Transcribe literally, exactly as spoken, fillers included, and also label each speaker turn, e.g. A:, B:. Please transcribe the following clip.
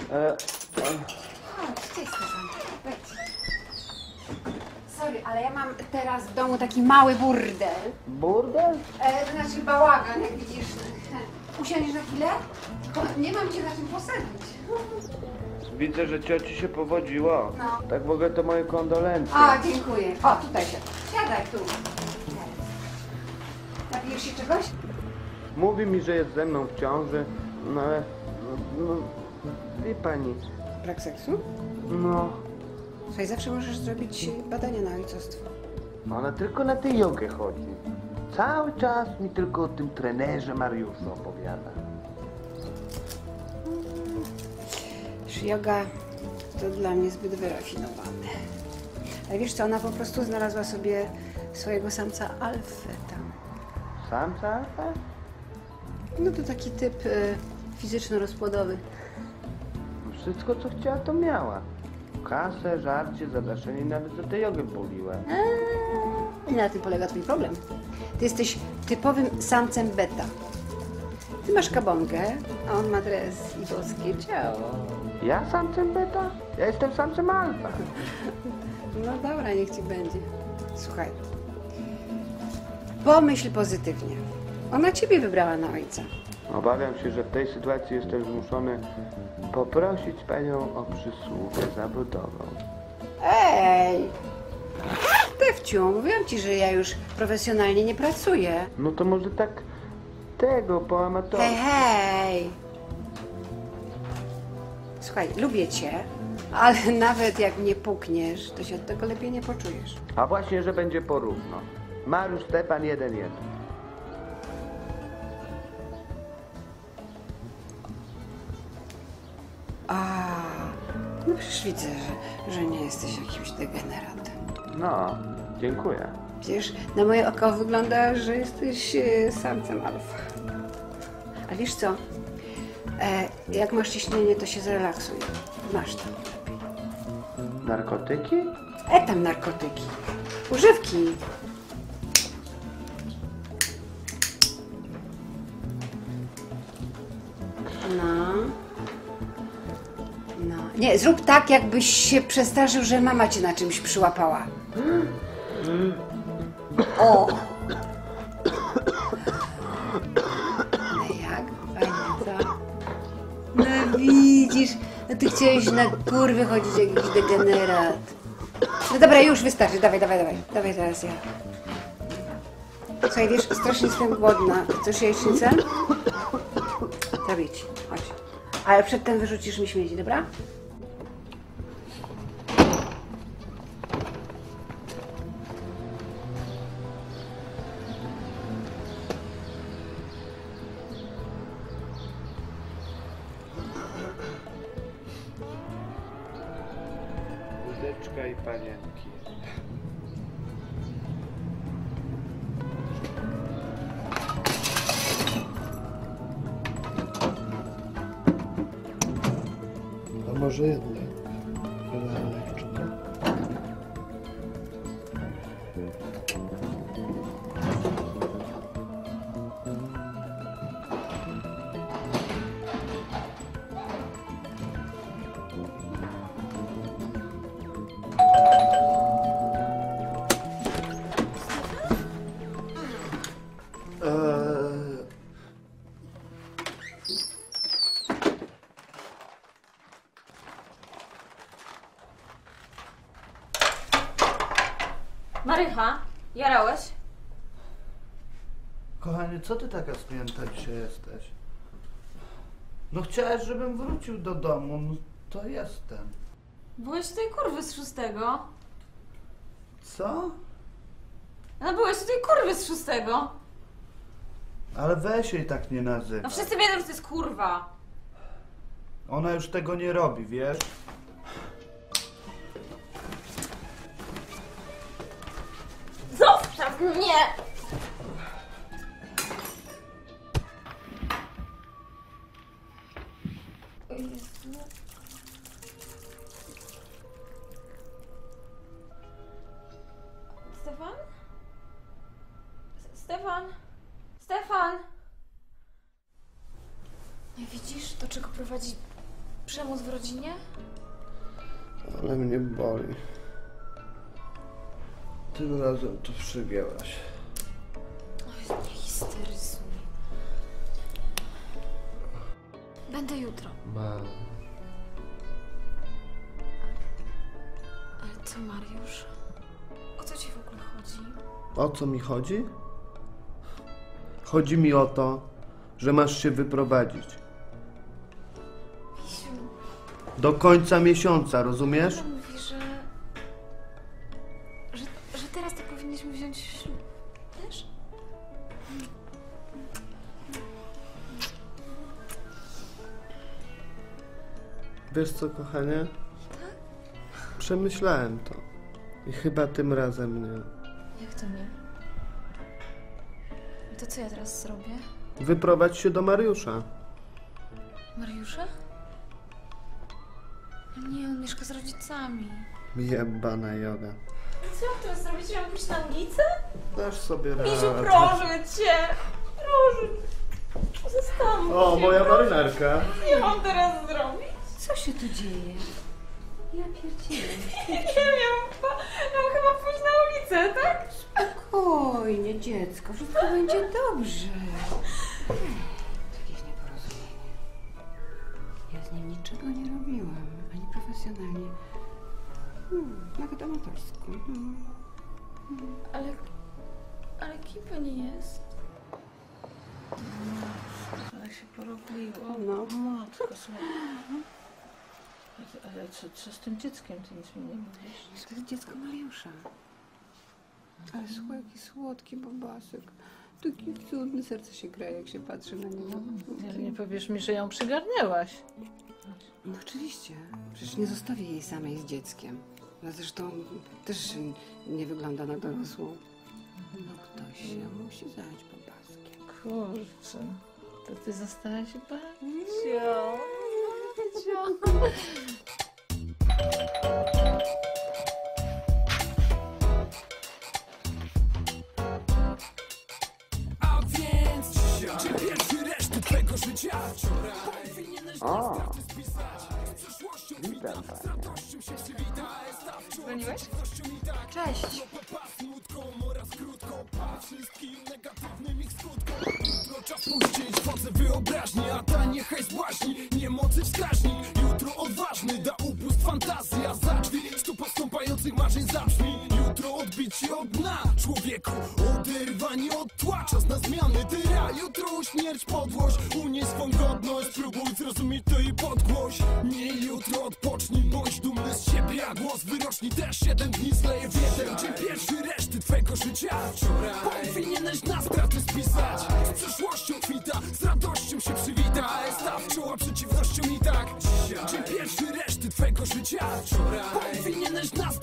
A: E,
B: Chodź, cześć Stefan. Wejdź. Sorry, ale ja mam teraz w domu taki mały burdel.
A: burdel?
B: E, to znaczy bałagan, jak widzisz. Usiądziesz na chwilę? Tylko nie mam cię na czym posadzić.
A: Widzę, że cioci się powodziło.
B: No.
A: Tak w ogóle to moje kondolencje.
B: A, dziękuję. O, tutaj się. Siadaj tu. Napijesz się czegoś?
A: Mówi mi, że jest ze mną w ciąży, no ale... No, no, wie pani,
B: Brak seksu?
A: no...
B: Słuchaj, zawsze możesz zrobić badania na ojcostwo.
A: No ale tylko na tę jogę chodzi. Cały czas mi tylko o tym trenerze Mariuszu opowiada.
B: Yoga to dla mnie zbyt wyrafinowane. Ale wiesz co, ona po prostu znalazła sobie swojego samca alfę tam.
A: Samca alfa?
B: No to taki typ y, fizyczno-rozpłodowy.
A: Wszystko co chciała to miała. Kasę, żarcie, zadaszenie i nawet za tę jogę poliła.
B: I na tym polega twój problem. Ty jesteś typowym samcem beta. Ty masz kabonkę, a on ma dres i boskie ciało.
A: Ja samcem beta? Ja jestem samcem alfa.
B: No dobra, niech ci będzie. Słuchaj, pomyśl pozytywnie. Ona ciebie wybrała na ojca.
A: Obawiam się, że w tej sytuacji jestem zmuszony poprosić panią o przysługę zawodową.
B: Ej! Tefciu, mówiłam ci, że ja już profesjonalnie nie pracuję.
A: No to może tak tego po amatorze.
B: Hej, hej! Słuchaj, lubię cię, ale nawet jak mnie pukniesz, to się od tego lepiej nie poczujesz.
A: A właśnie, że będzie porówno. Mariusz Stepan jeden jeden.
B: A, no przecież widzę, że, że nie jesteś jakimś degeneratem.
A: No, dziękuję.
B: Przecież na moje oko wygląda, że jesteś e, samcem alfa. A wiesz co? E, jak masz ciśnienie, to się zrelaksuj. Masz tam lepiej.
A: Narkotyki?
B: E tam narkotyki. Używki. No. No. Nie, zrób tak, jakbyś się przestraszył, że mama cię na czymś przyłapała. O! No jak? Fajnie, co? No widzisz, no ty chciałeś na kurwy chodzić jak jakiś degenerat. No dobra, już wystarczy, dawaj, dawaj, dawaj. Dawaj teraz ja. Słuchaj, wiesz, strasznie jestem głodna. Chcesz jajecznicę? Zrobię ci, chodź. Ale przedtem wyrzucisz mi śmieci, dobra?
A: Łódeczka i panienki.
C: A może jednak Kolaneczka? Eee,
D: Marycha, jarałeś?
C: Kochanie, co ty taka spięta dzisiaj jesteś? No chciałeś, żebym wrócił do domu, no to jestem.
D: Byłeś u tej kurwy z szóstego.
C: Co?
D: No byłeś u tej kurwy z szóstego.
C: Ale weź jej tak nie nazywa.
D: No wszyscy wiedzą, że to jest kurwa.
C: Ona już tego nie robi, wiesz?
D: Zostaw mnie! O Jezu. Stefan? S- Stefan? Stefan! No i widzisz, do czego prowadzi przemoc w rodzinie?
C: Ale mnie boli. Tym razem to przegięłaś.
D: Oj, nie histeryzuj. Będę jutro.
C: Ma.
D: Ale co, Mariusz? O co ci w ogóle chodzi?
C: O co mi chodzi? Chodzi mi o to, że masz się wyprowadzić.
D: Misiu,
C: Do końca miesiąca, rozumiesz?
D: tata mówi, że... że... że teraz to powinniśmy wziąć ślub. Wiesz?
C: Wiesz co, kochanie? Przemyślałem to. I chyba tym razem nie.
D: Jak to nie? To co ja teraz zrobię?
C: Wyprowadź się do Mariusza.
D: Mariusza? Nie, on mieszka z rodzicami.
C: Jebana joga.
D: Co mam teraz zrobić? Mam pójść na ulicę?
C: Dasz sobie radę.
D: Misiu, proszę cię! Proszę cię! Zastanów
C: O,
D: się,
C: moja
D: proszę.
C: marynarka.
D: Co mam teraz zrobić?
B: Co się tu dzieje? Ja pierdzielę.
D: Nie wiem, ja mam chyba, ja mam chyba pójść na ulicę, tak?
B: Spokojnie, dziecko, wszystko będzie dobrze. Jakieś nieporozumienie. Ja z nim niczego nie robiłam, ani profesjonalnie. Hmm, nawet amatorsko. Hmm.
D: Ale, ale kim pani jest?
E: Ale się porobiło.
B: No.
E: Matko, słuchaj. Ale co, co z tym dzieckiem? Ty nic mi nie mówisz?
B: To jest dziecko Mariusza. Ale słuchaj, jaki słodki bobasek. Taki cudny, serce się gra, jak się patrzy na niego.
E: Ale nie powiesz mi, że ją przygarnęłaś.
B: No oczywiście. Przecież nie zostawię jej samej z dzieckiem. No zresztą też nie wygląda na dorosłą. No ktoś się musi zająć bobaskiem.
E: Kurczę, to ty zostałaś babcią.
F: A więc dzisiaj, czy pierwszy reszty twego życia wczoraj powinieneś
A: O,
F: z przyszłością
A: witam
F: z
A: panie.
F: radością się przywitać.
D: Dzwoniłeś?
F: Cześć. Pasnutką oraz krótką, patrz wszystkim negatywnym ich skutkom. Jutro czas puścić wodze wyobraźni, a ta niechaj zbłaźni niemocy wskaźni. Jutro odważny da upust fantazji, a za drzwi stu postąpających marzeń zabrzmi. Jutro odbić się od dna, człowieku, oderwanie od tła, czas na zmiany tyra. Jutro śmierć, podłość, unieś swą godność, spróbuj zrozumieć to i podgłoś. Nie jutro odpocznij, bądź dumny z siebie, a głos wyroczni też jeden dni zleje w jeden. Czy pierwszy reszty twego życia wczoraj powinieneś na straty spisać. Z przyszłością kwita, z radością się przywita, a staw czoła przeciwnością i tak dzisiaj. Czy pierwszy reszty twego życia wczoraj powinieneś na